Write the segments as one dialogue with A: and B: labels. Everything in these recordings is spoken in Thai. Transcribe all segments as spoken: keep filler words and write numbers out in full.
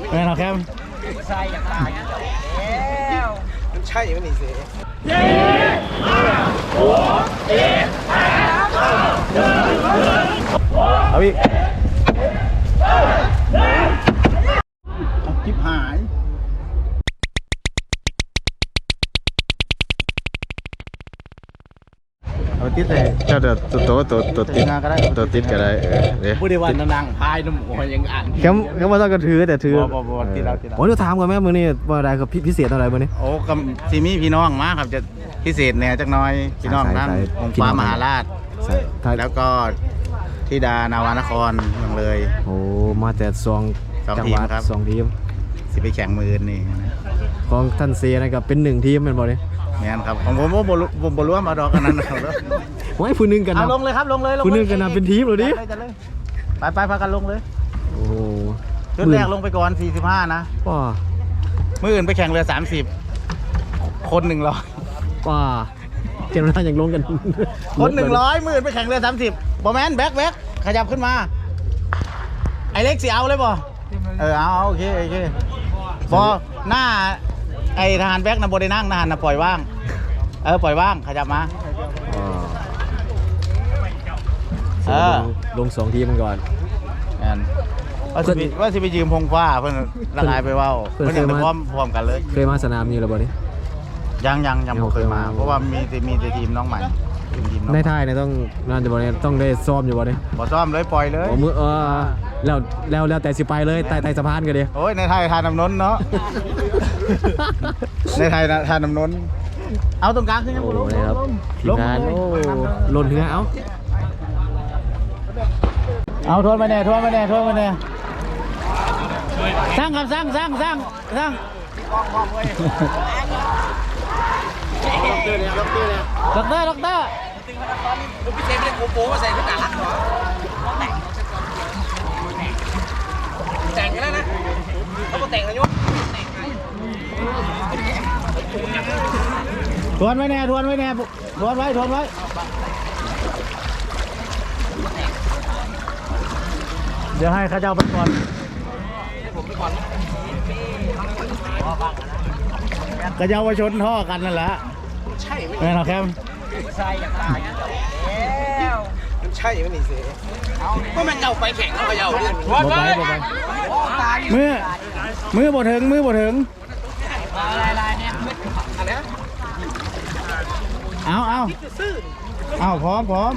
A: แม่เราแคม
B: ใช่อย่างไรแล้วใช่ยังไม่เสียเย้หัวเอ๊ะเอาอีกจิบหายเอาติดเลยเจ้าเดือดตัวตัวตัวติดก็ได้ตัวติดก็ได้เออเดี๋ยวผู้ดีวันนางพายน้ำหัวยังอ่านเขาเขาไม่ต้องกระถือแต่ถือบ่บ่ติดแล้วติดแล้วโอ้ยถามก่อนแม่มือนี่ว่าอะไรครับพิเศษอะไรมือนี่โอ้กับซีมี่พี่น้องมาครับจะพิเศษแน่จักน้อยพี่น้องนั่งองค์ฟ้ามหาราชแล้วก็ธิดานาวานครเมืองเลยโอ้มาแต่สองจังหวัดสองทีมสิไปแข่งมือนี่ของท่านเซียนะครับเป็นหนึ่งทีมเป็นบ่เนี่ยแม่นครับของผมผมผมบอลร่วมมาดอกกันนั้นนะครับไว้ผู้นึงกันนะลงเลยครับลงเลยผู้นึงกันนะเป็นทีมเลยดิไปไปพากันลงเลยโอ้ชุดแรกลงไปก่อนสี่สิบห้านะว้ามื่ออื่นไปแข่งเรือสามสิบคนหนึ่งร้อยว้าเจ้าหน้าอย่างลงกันคนหนึ่งร้อยมื่ออื่นไปแข่งเรือสามสิบบอแมนแบ็คแบ็คขยับขึ้นมาไอเล็กสีเอาเลยบอเออเอาโอเคโอเคบอหน้าไอทหารแบ็คนะบได้นั่งทหารนะปล่อยว่างเออปล่อยว่างขยับมาเออลงสองทีมันก่อนว่าสิว่าสิไปยืมพงฟ้าเพื่อนละลายไปว่าเพื่อนจะพร้อมพร้อมกันเลยเคยมาสนามนี้หรือเปล่านี่ยังยังยังไม่เคยมาเพราะว่ามีมีแต่ทีมน้องใหม่ในไทยเนี่ยต้องนั่นจะบอกเนี่ยต้องได้ซ้อมอยู่บ่เนี่ยบ่ซ้อมเลยปล่อยเลยมือเออแล้วแล้วแล้วแต่สิไปเลยไต่ไต่สะพานกันดิโอ้ยในไทยทานน้ำนนเนาะในไทยทานน้ำนนเอาตรงกลางขึ้นยังโอ้ยครับทีมงานโอ้หล่นถึงเอาเอาทวนไปแน่ทวนไปแน่ทวนไปแน่สร้างครับสร้างสร้างสร้างสร้างด็อกเตอร์ด็อกเตอร์ผมพิเศษไม่ได้โกโก้มาใส่ทุกอย่างแต่งกันแล้วนะเขาบอกแต่งแล้วยศทวนไว้แน่ทวนไว้แน่ทวนไว้ทวนไว้เดี๋ยวให้ข้าเจ้าไปก่อนข้าเจ้าไปชนท่อกันนั่นแหละใช่ไหมเราแคมใช่อย่างไรแล้วมันใช่ไหมนี่เสียก็มันเจ้าไปแข่งเขาเจ้าเนี่ยมือมือบดถึงมือบดถึงเอาเอาเอาพร้อมพร้อม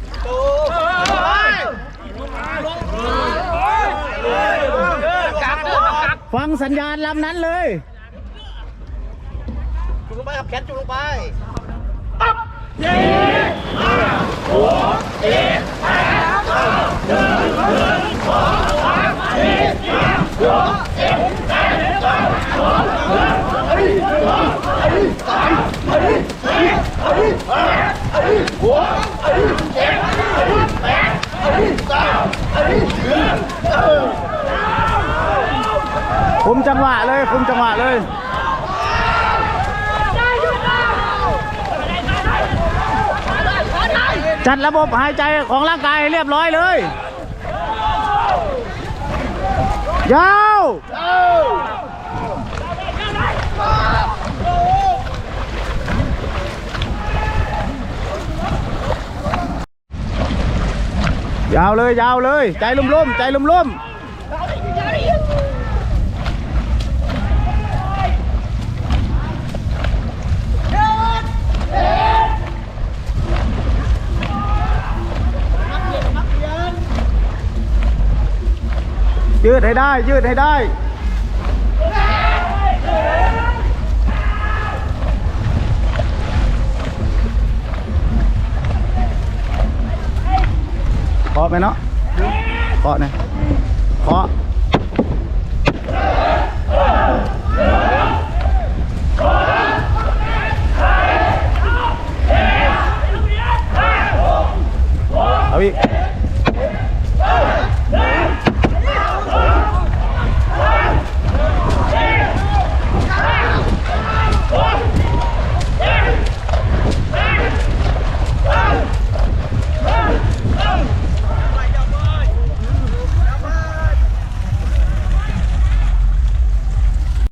B: ฟังสัญญาณลำนั้นเลยจุลงไปครับแคทจุลงไปอัพเย้หัวเอ๊ะแปดเก้าหนึ่งหนึ่งสองสามสี่ห้าหกเจ็ดแปดเก้าสองหนึ่งสองสามสี่ห้าหกเจ็ดแปดเก้าคุมจังหวะเลยคุมจังหวะเลยจัดระบบหายใจของร่างกายเรียบร้อยเลยยาวยาวเลยยาวเลยใจลุ่มๆใจลุ่มๆยืดให้ได้ยืดให้ได้เคาะไหมเนาะเคาะนะเคาะ